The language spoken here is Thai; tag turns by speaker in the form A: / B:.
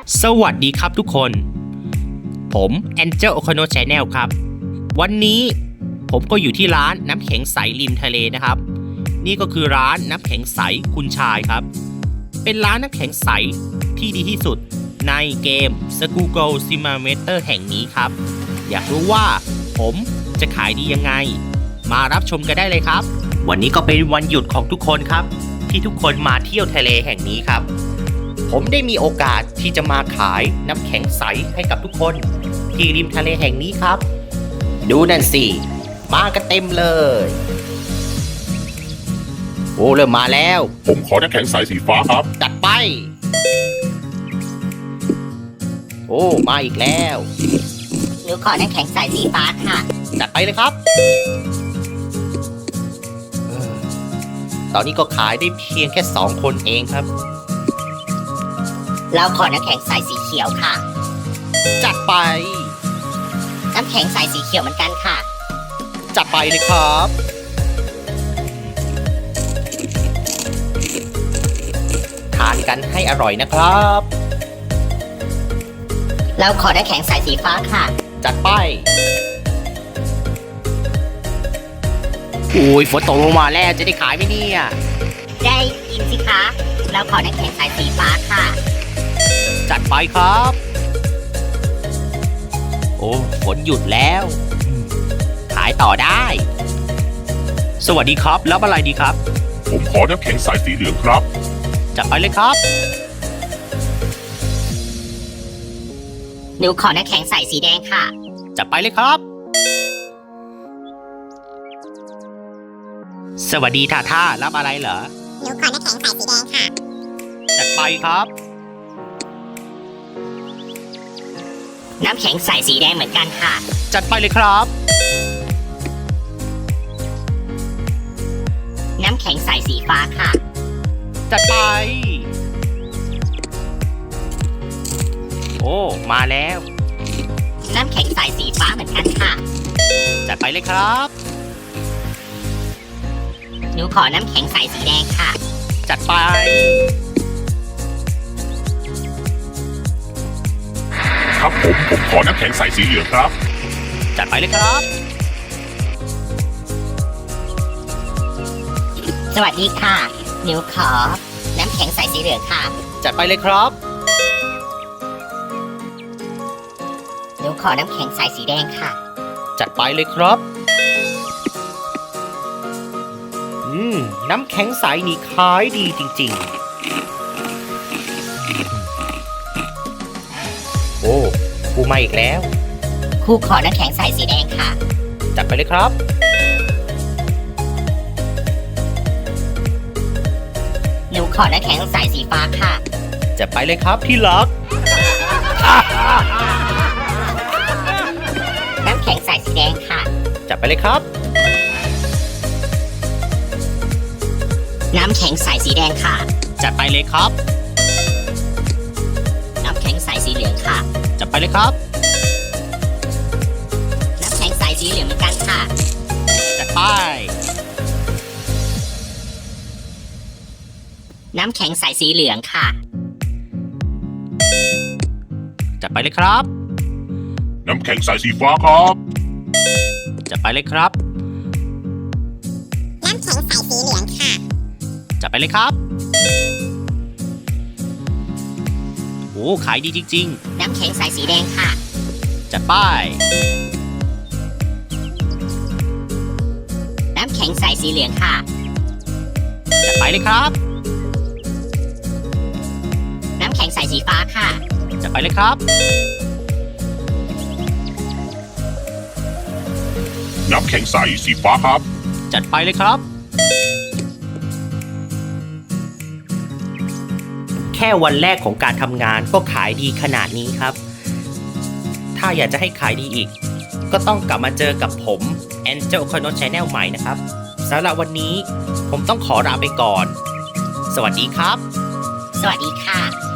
A: สวัสดีครับทุกคนผม Angel Okono Channel ครับวันนี้ผมก็อยู่ที่ร้านน้ำแข็งใสริมทะเลนะครับนี่ก็คือร้านน้ำแข็งใสคุณชายครับเป็นร้านน้ำแข็งใสที่ดีที่สุดในเกม Skullgirl Simulator แห่งนี้ครับอยากรู้ว่าผมจะขายดียังไงมารับชมกันได้เลยครับวันนี้ก็เป็นวันหยุดของทุกคนครับที่ทุกคนมาเที่ยวทะเลแห่งนี้ครับผมได้มีโอกาสที่จะมาขายน้ำแข็งใสให้กับทุกคนที่ริมทะเลแห่งนี้ครับดูนั่นสิมากันเต็มเลยโอ้เริ่มมาแล้ว
B: ผมขอน้ำแข็งใสสีฟ้าครับ
A: จัดไปโอ้มาอีกแล้ว
C: หนูขอน้ำแข็งใสสีฟ้าค่ะ
A: จัดไปเลยครับตอนนี้ก็ขายได้เพียงแค่2 คนเองครับ
C: เราขอน้ำแข็งใสสีเขียวค่ะ
A: จัดไป
C: น้ำแข็งใสสีเขียวเหมือนกันค่ะ
A: จัดไปเลยครับทานกันให้อร่อยนะครับ
C: เราขอน้ำแข็งใสสีฟ้าค่ะ
A: จัดไปโอ้ยฝนตกลงมาแล้วจะได้ขายไหมเนี่ย
C: ได้กินสิคะเราขอน้ำแข็งใสสีฟ้าค่ะ
A: จัดไปครับโอ้ฝนหยุดแล้วขายต่อได้สวัสดีครับรับอะไรดีครับ
B: ผมขอน้ำแข็งใสสีเหลืองครับ
A: จัดไปเลยครับ
C: หนูขอน้ำแข็งใสสีแดงค่ะ
A: จัดไปเลยครับสวัสดีท่ารับอะไรเหรอ
C: หนูขอน้ำแข็งใสสีแดงค่ะ
A: จัดไปครับ
C: น้ำแข็งใสสีแดงเหมือนกันค่ะ
A: จัดไปเลยครับ
C: น้ำแข็งใสสีฟ้าค่ะ
A: จัดไปโอ้มาแล้ว
C: น้ำแข็งใสสีฟ้าเหมือนกันค่ะ
A: จัดไปเลยครับ
C: หนูขอน้ำแข็งใสสีแดงค่ะ
A: จัดไป
B: ครับผมขอน้ำแข็งใสสีเหลืองครับ
A: จัดไปเลยครับ
C: สวัสดีค่ะหนูขอน้ำแข็งใสสีเหลืองค่ะ
A: จัดไปเลยครับ
C: หนูขอน้ำแข็งใสสีแดงค่ะ
A: จัดไปเลยครับน้ำแข็งใสนี่ขายดีจริงๆโอ้กูมาอีกแล้ว
C: ครูขอน้ำแข็งใสสีแดงค่ะ
A: จัดไปเลยครับ
C: หนูขอน้ำแข็งใสสีฟ้าค่ะ
A: จัดไปเลยครับที่รัก
C: น้ำแข็งใสสีแดงค่ะ
A: จัดไปเลยครับ
C: น้ำแข็งใสสีแดงค่ะ
A: จัดไปเลยครับ
C: น้ำแข็งใสสีเหลืองค่ะ
A: จัดไปเลยครับ
C: น้ำแข็งใสสีเหลืองเหมือนกันค่ะ
A: จัดไป
C: น้ำแข็งใสสีเหลืองค่ะ
A: จัดไปเลยครับ
B: น้ำแข็งใสสีฟ้าครับ
A: จัดไปเลยครับ
C: น้ำแข็งใสสีเหลืองค่ะ
A: จัดไปเลยครับโอ้ขายดีจริง
C: ๆน้ำแข็งใสสีแดงค่ะ
A: จัดไป
C: น้ำแข็งใสสีเหลืองค่ะ
A: จัดไปเลยครับ
C: น้ำแข็งใสสีฟ้าค่ะ
A: จัดไปเลยครับ
B: น้ำแข็งใสสีฟ้าครับ
A: จัดไปเลยครับแค่วันแรกของการทำงานก็ขายดีขนาดนี้ครับถ้าอยากจะให้ขายดีอีกก็ต้องกลับมาเจอกับผม Angel Okono Channel ใหม่นะครับสำหรับวันนี้ผมต้องขอลาไปก่อนสวัสดีครับ
C: สวัสดีค่ะ